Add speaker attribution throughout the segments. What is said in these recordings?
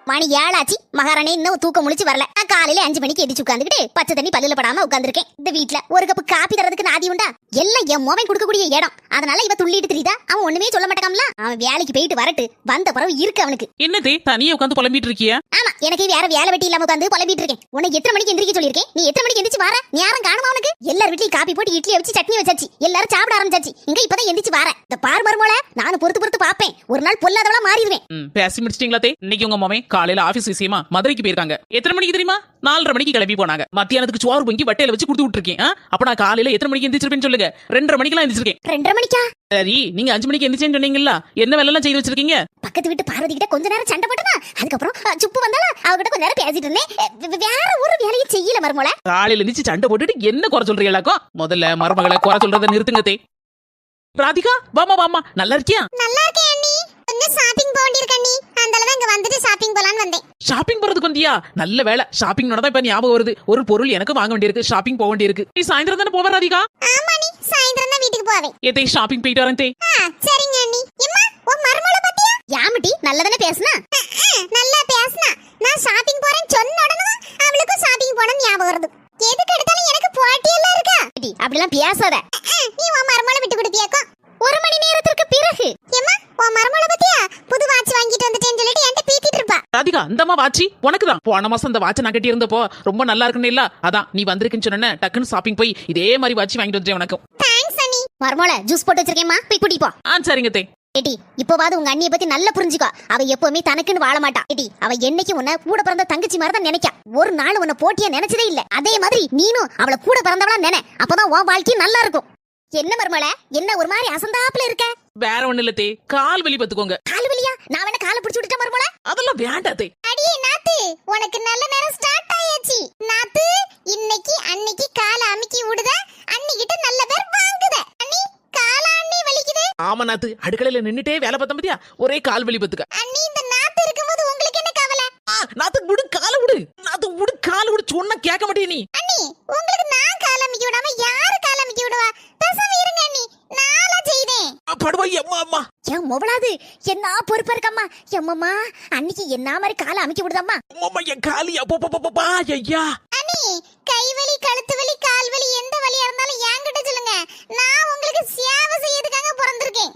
Speaker 1: மணி 7 ஆச்சு. மகாராணி இன்னும் தூக்கம் முழிச்சு வரல. நான் காலையில 5 மணிக்கு எந்திரிச்சு உட்காந்துக்கிட்டு பச்சை தண்ணி பல்லுல படாம உட்காந்துருக்கேன். இந்த வீட்ல ஒரு கப்பு காப்பி தரதுக்கு நாதி உண்டா? எல்லாம் என் மோவன் கொடுக்கக்கூடிய இடம். அதனால இவ துள்ளிட்டு தெரியுதா? அவன் ஒண்ணுமே சொல்ல மாட்டான்ல. அவன் வேலைக்கு போயிட்டு வரட்டு. வந்த பிறகு இருக்கு அவனுக்கு.
Speaker 2: என்னதே தனியா உட்காந்து புலம்பிட்டு இருக்கியா?
Speaker 1: ஆமா, எனக்கு வேற வேலை வெட்டி இல்லாம உட்காந்து புலம்பிட்டு இருக்கேன். உன்னை எத்தனை மணிக்கு எந்திரிக்க சொல்லியிருக்கேன்? நீ எத்தனை மணிக்கு எந்திரிச்சு வர? நேரம் காணுமா அவனுக்கு? எல்லார் வீட்லயும் காப்பி போட்டு இட்லியை வச்சு சட்னி வச்சாச்சு. எல்லாரும் சாப்பிட ஆரம்பிச்சாச்சு. இங்க இப்பதான் எந்திரிச்சு வர. இந்த பார் மருமோல நானும் பொறுத்து பாப்பேன். ஒரு நாள் பொல்லாதவளா மாறிடுவேன்.
Speaker 2: பேசி முடிச்சிட்டீங்களா தே? இன்னைக்கு உங்க மாமே காலையில ஆபீஸ் விஷயமா மதுரைக்கு போயிருக்காங்க. எத்தனை மணிக்கு தெரியுமா? 4:30 மணிக்கு கிளம்பி போனாங்க. மத்தியானத்துக்கு சோறு பொங்கி வட்டையில வச்சு கொடுத்து விட்டுருக்கேன். அப்ப நான் காலையில எத்தனை மணிக்கு எந்திரிச்சிருப்பேன்னு சொல்லுங்க. 2:30 மணிக்கெல்லாம் எந்திரிச்சிருக்கேன்.
Speaker 1: 2:30 மணிக்கா?
Speaker 2: சரி, நீங்க 5 மணிக்கு எந்திரிச்சேன்னு சொன்னீங்கல்ல, என்ன வேலை எல்லாம் செய்து வச்சிருக்கீங்க?
Speaker 1: பக்கத்து வீட்டு பார்வதி கிட்ட கொஞ்ச நேரம் சண்டை போட்டனா, அதுக்கப்புறம் சுப்பு வந்தால அவகிட்ட கொஞ்ச நேரம் பேசிட்டு இருந்தேன். வேற ஒரு வேலையை செய்யல மருமோல.
Speaker 2: காலையில எந்திரிச்சு சண்டை போட்டுட்டு என்ன குறை சொல்றீங்களாக்கோ? முதல்ல மருமகளை குறை சொல்றதை நிறுத்துங்க தே. ராதிகா, வாமா நல்லா இருக்கியா?
Speaker 1: நல்லா இருக்கேன் அண்ணி. கொஞ்சம் ஷாப்பிங் போக வேண்டியிருக்கு அண்ணி. அதனால இங்க வந்துட்டு ஷாப்பிங் போலான்னு வந்தேன்.
Speaker 2: ஷாப்பிங் போறதுக்கு வந்தியா? நல்ல வேலை. ஷாப்பிங் நடந்தா இப்ப ஞாபகம் வருது. ஒரு பொருள் எனக்கு வாங்க வேண்டியிருக்கு. ஷாப்பிங் போக வேண்டியிருக்கு. நீ சாயந்தரம் தானே போவ ராதிகா?
Speaker 1: ஆமா அண்ணி, சாயந்தரம் தான் வீட்டுக்கு போவேன்.
Speaker 2: ஏதே ஷாப்பிங் போயிட்டு வரேன் தே.
Speaker 1: சரிங்க அண்ணி. எம்மா, உன் மருமகளை பத்தியா? யாமட்டி நல்லதானே பேசுனா? நல்லா பேசுனா. நான் ஷாப்பிங் போறேன்னு சொன்ன உடனே அவளுக்கு ஷாப்பிங் போன ஞாபகம் வருது. எதுக்கு எடுத்தாலும் எனக்கு போட்டி எல்லாம் இருக்கா? அப்படிலாம் பேசாத. நீ உன் மருமகளை விட்டு கொடுத்தியாக்கோ? 1 மணி நேரத்துக்கு பிறகு. எம்மா, உன் மருமகளை பத்தியா? புது வாட்ச் வாங்கிட்டு வந்துட்டேன்னு சொல்லிட்டு என்கிட்ட பீத்திட்டு இருப்பா.
Speaker 2: ராதிகா, இந்தமா வாட்சி உனக்கு தான். போன மாசம் அந்த வாட்சை நான் கட்டி இருந்தப்போ ரொம்ப நல்லா இருக்குன்னு இல்ல, அதான் நீ வந்திருக்குன்னு சொன்ன டக்குன்னு ஷாப்பிங் போய் இதே மாதிரி வாட்சி வாங்கிட்டு வந்துட்டேன் உனக்கு.
Speaker 1: தேங்க்ஸ் அண்ணி. மருமகளை ஜூஸ் போட்டு வச்சிருக்கேம்மா, போய் குடி போ.
Speaker 2: சரிங்க தே.
Speaker 1: ஏடி, இப்போவாது உங்க அண்ணியை பத்தி நல்லா புரிஞ்சுக்கோ. அவ எப்பவுமே தனக்குன்னு வாழ மாட்டா. ஏடி, அவ என்னைக்கு உன்னை கூட பிறந்த தங்கச்சி மாதிரி தான் நினைக்கா. ஒரு நாள் உன்னை போட்டியா நினைச்சதே இல்ல. அதே மாதிரி நீனும் அவளை கூட பிறந்தவளா நினை. அப்பதான் உன் வாழ்க்கை நல்லா இருக்கும். என்ன மருமலை, என்ன ஒரு மாதிரி அசந்தாப்புல இருக்க?
Speaker 2: வேற ஒண்ணு இல்ல தே, கால் வலி பத்துக்கோங்க.
Speaker 1: கால் வலியா? நான் வேணா காலை பிடிச்சு விட்டுட்டேன் மருமலை.
Speaker 2: அதெல்லாம் வேண்டாம் தே.
Speaker 1: அடியே நாத்து, உனக்கு நல்ல நேரம் ஸ்டார்ட் ஆயாச்சு. நாத்து, இன்னைக்கு அன்னைக்கு காலை அமுக்கி விடுத, அன்னிக்கிட்ட நல்ல பேர் வாங்குத. அண்ணி, காலா அண்ணி வலிக்குது.
Speaker 2: ஆமா நாத்து, அடுக்கலையில நின்னுட்டே வேலை பார்த்தா பத்தியா ஒரே கால் வலி பத்துக்க.
Speaker 1: அண்ணி, இந்த நாத்து இருக்கும்போது உங்களுக்கு என்ன கவலை?
Speaker 2: நாத்து விடு, காலை விடு. நாத்து விடு, காலை விடு. சொன்னா கேட்க மாட்டே நீ.
Speaker 1: அண்ணி, உங்களுக்கு நான் காலை அமுக்கி விடாம யாரு காலை அமுக்கி விடுவா? பேசாம இருங்க அண்ணி, நானா செய்தேன்.
Speaker 2: படுவாய் அம்மா அம்மா.
Speaker 1: ஏன் மொவளாது என்ன பொறுப்பா இருக்கம்மா? எம்மம்மா, அன்னைக்கு என்ன மாதிரி காலை அமுக்கி விடுதம்மா.
Speaker 2: அம்மா, என் காலி அப்பா ஐயா.
Speaker 1: அண்ணி, கை வலி, கழுத்து வலி, கால் வலி, எந்த வலியா இருந்தாலும் என்கிட்ட சொல்லுங்க. நான் உங்களுக்கு சேவை செய்யறதுக்காக பிறந்திருக்கேன்.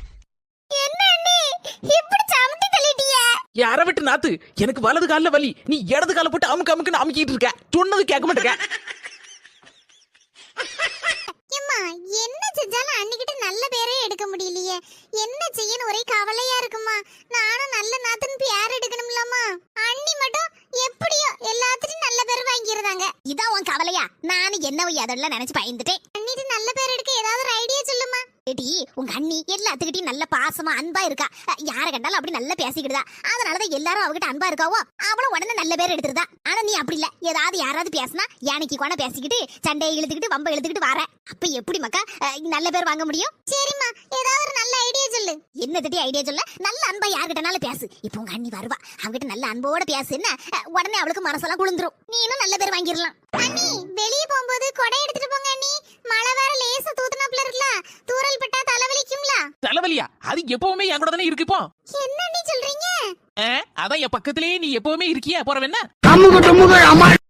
Speaker 1: என்ன அண்ணி, இப்படி சமட்டி தள்ளிட்டிய?
Speaker 2: யார விட்டு நாத்து, எனக்கு வலது கால்ல வலி, நீ இடது கால போட்டு அமுக்குன்னு அமுக்கிட்டு இருக்க. சொன்னது கேட்க மாட்டேங்க.
Speaker 1: எம்மா, என்ன செஞ்சாலும் அன்னிக்கிட்ட நல்ல பேரே எடுக்க முடியலையே. என்ன செய்யணும் ஒரே கவலையா இருக்குமா. நானும் நல்ல நாத்துன்னு பேர் எடுக்கணும்லம்மா. அண்ணி மட்டும் எப்படியோ எல்லாத்துலயும் நல்ல பேர் வாங்கிடுறாங்க. இதான் உன் கவலையா? நானும் என்ன அதெல்லாம் நினைச்சு பயந்துட்டேன். அண்ணிட்டு நல்ல பேர் எடுக்க ஏதாவது ஒரு ஐடியா சொல்லுமா. ஏடி, உங்க அண்ணி எல்லாத்துக்கிட்டையும் நல்ல பாசமா அன்பா இருக்கா. யார கண்டாலும் அப்படி நல்லா பேசிக்கிடுதா. அதனாலதான் எல்லாரும் அவகிட்ட அன்பா இருக்காவோ. அவளும் உடனே நல்ல பேர் எடுத்துருதா. ஆனா நீ அப்படி இல்ல. ஏதாவது யாராவது பேசினா யானைக்கு கொன பேசிக்கிட்டு சண்டையை இழுத்துக்கிட்டு வம்ப இழுத்துக்கிட்டு வர. அப்ப எப்படி மக்கா நல்ல பேர் வாங்க முடியும்? சரிம்மா, ஏதாவது ஒரு நல்ல ஐடியா சொல்லு. என்ன தட்டி ஐடியா சொல்ல? நல்ல அன்பா யார்கிட்டனாலும் பேசு. இப்போ உங்க அண்ணி வருவா, அவகிட்ட நல்ல அன்போட பேசு. என்ன உடனே அவளுக்கு மனசெல்லாம் குளிந்துரும். நீனும் நல்ல பேர் வாங்கிடலாம். அண்ணி, வெளியே போகும்போது கொடை எடுத்துட்டு போங்க அண்ணி. மழை வேற லேசா தூத்துனாப்ல இருக்குல, தூறல் பட்டா தலைவலிக்கும்ல.
Speaker 2: தலைவலியா? அது எப்பவுமே என் கூட தானே இருக்கு. இப்போ
Speaker 1: என்ன அண்ணி சொல்றீங்க?
Speaker 2: அதான் என் பக்கத்திலேயே நீ எப்பவுமே இருக்கியா? போறவ என்ன